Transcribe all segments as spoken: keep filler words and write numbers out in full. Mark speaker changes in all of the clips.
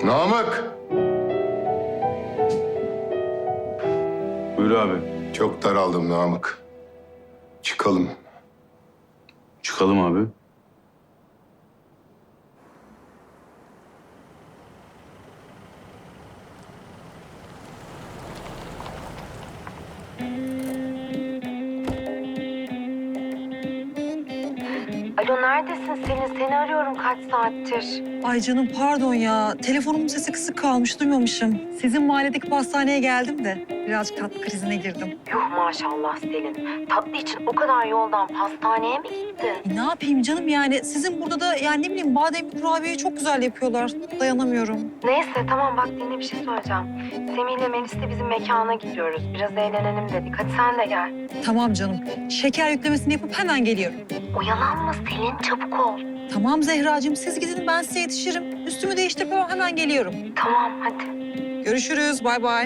Speaker 1: Namık!
Speaker 2: Buyur abi.
Speaker 1: Çok daraldım Namık. Çıkalım.
Speaker 2: Çıkalım abi.
Speaker 3: Alo neredesin Selin? Seni arıyorum kaç saattir.
Speaker 4: Ay canım pardon ya. Telefonumun sesi kısık kalmış, duymamışım. Sizin mahalledeki pastaneye geldim de birazcık tatlı krizine girdim.
Speaker 3: Yuh maşallah Selin. Tatlı için o kadar yoldan pastaneye mi gittin?
Speaker 4: E, ne yapayım canım yani? Sizin burada da yani ne bileyim bademli kurabiyeyi çok güzel yapıyorlar. Dayanamıyorum.
Speaker 3: Neyse tamam bak dinle bir şey söyleyeceğim. Semih ile Melis de bizim mekana gidiyoruz. Biraz eğlenelim dedik. Hadi sen de gel.
Speaker 4: Tamam canım. Şeker yüklemesini yapıp hemen geliyorum.
Speaker 3: Oyalanma Selin çabuk ol.
Speaker 4: Tamam Zehracığım siz gidin ben size yetişirim. Üstümü değiştirip hemen geliyorum.
Speaker 3: Tamam hadi.
Speaker 4: Görüşürüz. Bay bay.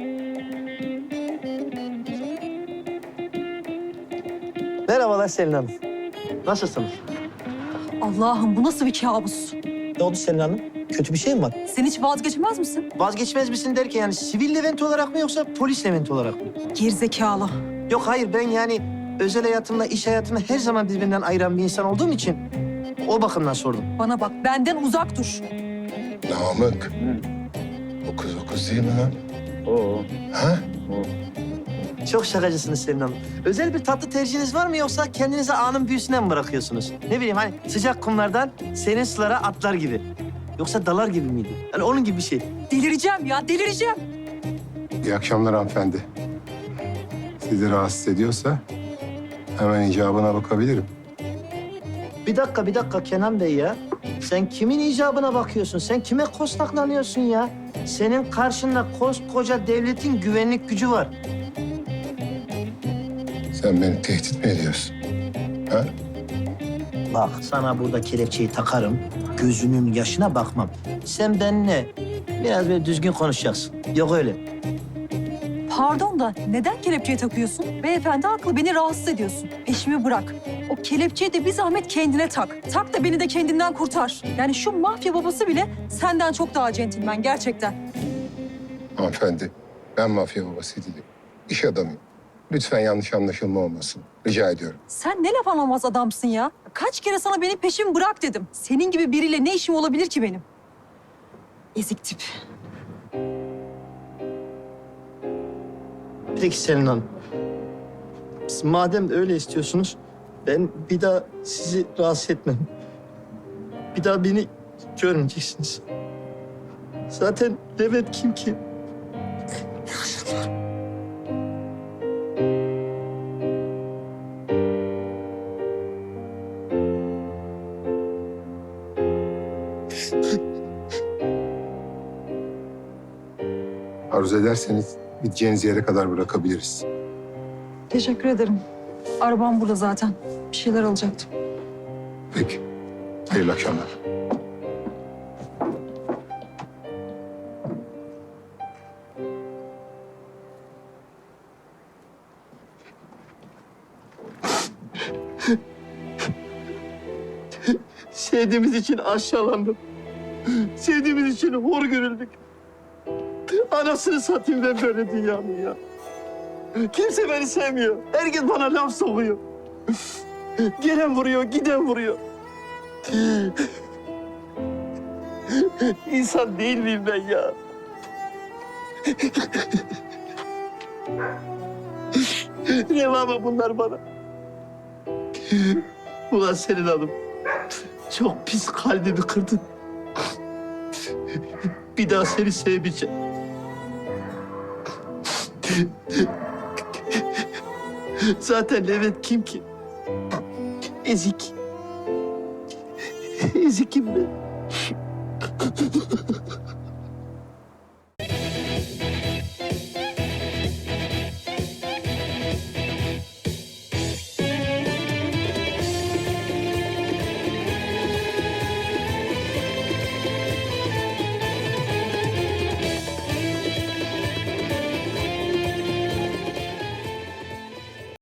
Speaker 5: Merhabalar Selin Hanım. Nasılsınız?
Speaker 4: Allah'ım bu nasıl bir kabus?
Speaker 5: Ne oldu Selin Hanım? Kötü bir şey mi var?
Speaker 4: Sen hiç vazgeçmez misin?
Speaker 5: Vazgeçmez misin derken yani sivil Levent olarak mı yoksa polis Levent olarak mı?
Speaker 4: Gerizekalı.
Speaker 5: Yok hayır ben yani özel hayatımla iş hayatımı her zaman birbirinden ayıran bir insan olduğum için o bakımdan sordum.
Speaker 4: Bana bak benden uzak dur.
Speaker 1: Namık. O kız o kız değil mi lan?
Speaker 2: Oo.
Speaker 1: Ha?
Speaker 5: Çok şakacısınız Selin Hanım. Özel bir tatlı tercihiniz var mı yoksa kendinizi anın büyüsüne mi bırakıyorsunuz? Ne bileyim hani sıcak kumlardan serin sulara atlar gibi. Yoksa dalar gibi miydi? Hani onun gibi bir şey.
Speaker 4: Delireceğim ya delireceğim.
Speaker 1: İyi akşamlar hanımefendi. Sizi rahatsız ediyorsa hemen icabına bakabilirim.
Speaker 5: Bir dakika, bir dakika Kenan Bey ya. Sen kimin icabına bakıyorsun? Sen kime kostaklanıyorsun ya? Senin karşında koskoca devletin güvenlik gücü var.
Speaker 1: Sen beni tehdit mi ediyorsun? Ha?
Speaker 5: Bak sana burada kelepçeyi takarım. Gözünün yaşına bakmam. Sen benimle biraz böyle düzgün konuşacaksın. Yok öyle.
Speaker 4: Pardon da neden kelepçeyi takıyorsun? Beyefendi haklı, beni rahatsız ediyorsun. Peşimi bırak. O kelepçeyi de bir zahmet kendine tak. Tak da beni de kendinden kurtar. Yani şu mafya babası bile senden çok daha centilmen gerçekten.
Speaker 1: Hanımefendi, ben mafya babası değilim. İş adamıyım. Lütfen yanlış anlaşılma olmasın. Rica ediyorum.
Speaker 4: Sen ne laf anlamaz adamsın ya. Kaç kere sana benim peşimi bırak dedim. Senin gibi biriyle ne işim olabilir ki benim? Ezik tip.
Speaker 5: Peki Selin Hanım. Siz madem öyle istiyorsunuz, ben bir daha sizi rahatsız etmem. Bir daha beni görmeyeceksiniz. Zaten Levent kim ki?
Speaker 1: Arzu ederseniz gideceğiniz yere kadar bırakabiliriz.
Speaker 4: Teşekkür ederim. Arabam burada zaten. Bir şeyler alacaktım.
Speaker 1: Peki. Hayırlı akşamlar.
Speaker 5: Sevdiğimiz için aşağılandım. Sevdiğimiz için hor görüldük. Anasını satayım ben böyle dünyanın ya. Kimse beni sevmiyor. Herkes bana laf sokuyor. Gelen vuruyor, giden vuruyor. İnsan değil miyim ben ya? Reva mı bunlar bana? Ulan Selin Hanım, çok pis kalbimi kırdın. Bir daha seni sevmeyeceğim. Zaten Levent kim ki? Ezik. Ezikim ben.